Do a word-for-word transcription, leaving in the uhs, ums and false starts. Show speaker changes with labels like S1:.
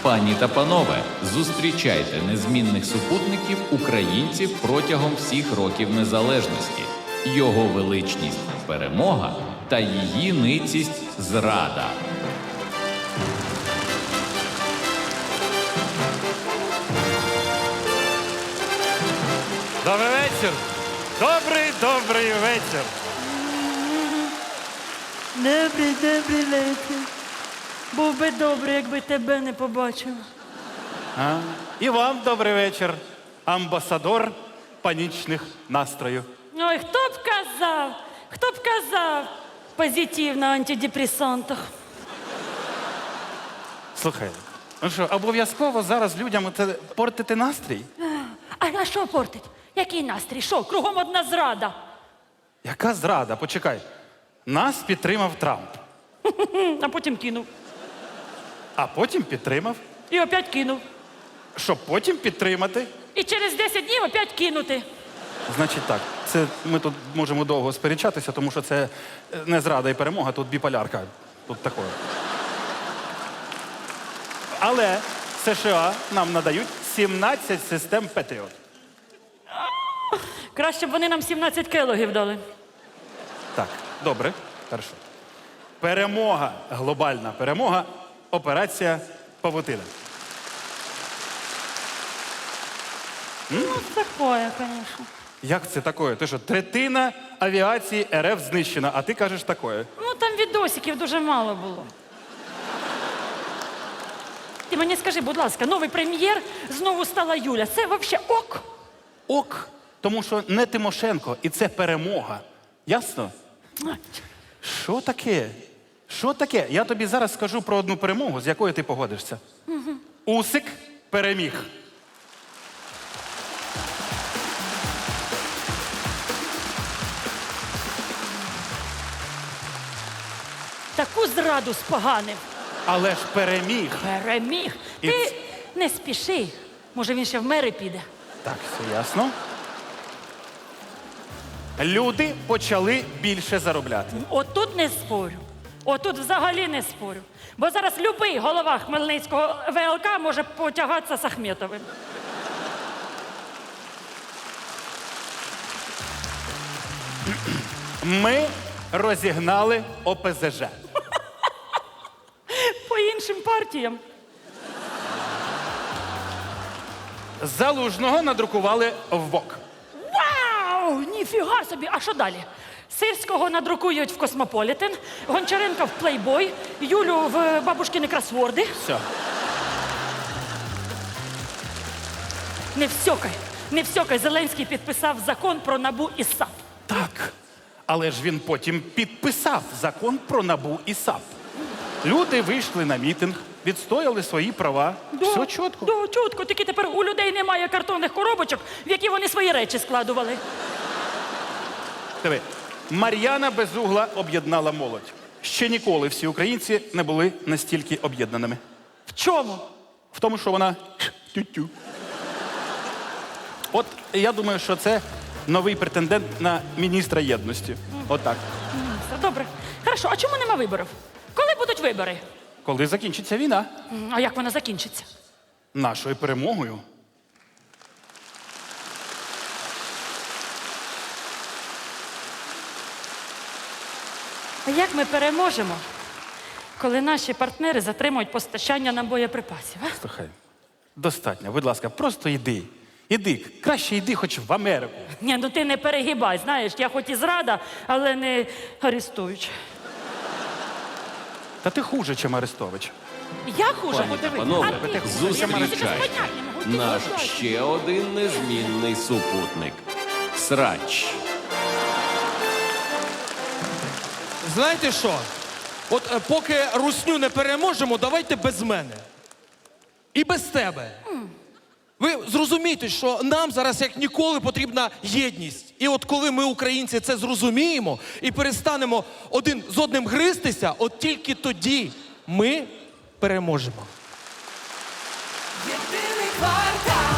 S1: Пані та панове, зустрічайте незмінних супутників українців протягом всіх років незалежності. Його величність – перемога та її ницість – зрада.
S2: Добрий вечір. Добрий, добрий вечір.
S3: Добрий, добрий вечір. Був би добре, якби тебе не побачив.
S2: А? І вам добрий вечір, амбасадор панічних настроїв.
S3: Ой, хто б казав, хто б казав позитив на антидепресантах.
S2: Слухай, ну що, обов'язково зараз людям це портити настрій?
S3: А, а що портить? Який настрій? Що, кругом одна зрада?
S2: Яка зрада? Почекай. Нас підтримав Трамп,
S3: А потім кинув.
S2: а потім підтримав,
S3: І опять кинув.
S2: щоб потім підтримати.
S3: І через десять днів опять кинути.
S2: Значить так, це ми тут можемо довго сперечатися, тому що це не зрада і перемога, тут біполярка. Тут такое. Але США нам надають сімнадцять систем Петріот.
S3: Краще б вони нам сімнадцять келогів дали.
S2: Так, добре, хорошо. Перемога, глобальна перемога, операція Павутина.
S3: Ну, такое, звісно.
S2: Як це такое? Ти що, третина авіації РФ знищена, а ти кажеш такое?
S3: Ну, там відосиків дуже мало було. Ти мені скажи, будь ласка, новий прем'єр знову стала Юля. Це взагалі ок?
S2: Ок, тому що не Тимошенко, і це перемога. Ясно? Що таке? Що таке? Я тобі зараз скажу про одну перемогу, з якою ти погодишся. Угу. Усик переміг.
S3: Таку зраду споганив.
S2: Але ж переміг.
S3: Переміг.
S2: І
S3: Ти
S2: ц-
S3: не спіши. Може, він ще в мери піде.
S2: Так, все ясно. Люди почали більше заробляти.
S3: Отут не спорю. Отут взагалі не спорю. Бо зараз любий голова Хмельницького ВЛК може потягатися з Ахметовим.
S2: Ми розігнали О Пе Зе Же.
S3: По іншим партіям.
S2: Залужного надрукували в бок.
S3: Вау! Ніфіга собі! А що далі? Сирського надрукують в Космополітен, Гончаренка в Плейбой, Юлю в бабушкини кросворди.
S2: Все.
S3: Не всьокай, не всьокай. Зеленський підписав закон про НАБУ і САП.
S2: Так. Але ж він потім підписав закон про НАБУ і САП. Люди вийшли на мітинг, відстояли свої права. Все чітко.
S3: Да, чітко. Тільки тепер у людей немає картонних коробочок, в які вони свої речі складували.
S2: Диви, Мар'яна Безугла об'єднала молодь. Ще ніколи всі українці не були настільки об'єднаними.
S3: В чому?
S2: В тому, що вона тю-тю. От я думаю, що це новий претендент на міністра єдності. Отак.
S3: Все добре. Хорошо, а чому нема виборів? Коли будуть вибори?
S2: Коли закінчиться війна?
S3: М, А як вона закінчиться?
S2: Нашою перемогою.
S3: А як ми переможемо, коли наші партнери затримують постачання нам боєприпасів? А?
S2: Слухай, достатньо, будь ласка, просто йди. Іди, краще йди хоч в Америку.
S3: Ні, ну ти не перегибай, знаєш, я хоч і зрада, але не арестуюча.
S2: Та ти хуже, чим Арестович.
S3: Я хуже?
S1: Пані та
S3: Подивись.
S1: панове,
S3: А ти хуже? Я тобі
S1: зустрічайте
S3: поняття не можу. Ти
S1: наш
S3: поняття.
S1: ще один незмінний супутник – Срач.
S4: Знаєте що? От е, поки русню не переможемо, давайте без мене. І без тебе. Ви зрозумієте, що нам зараз як ніколи потрібна єдність. І от коли ми, українці, це зрозуміємо і перестанемо один з одним гристися, от тільки тоді ми переможемо.
S5: Єдиний квартал.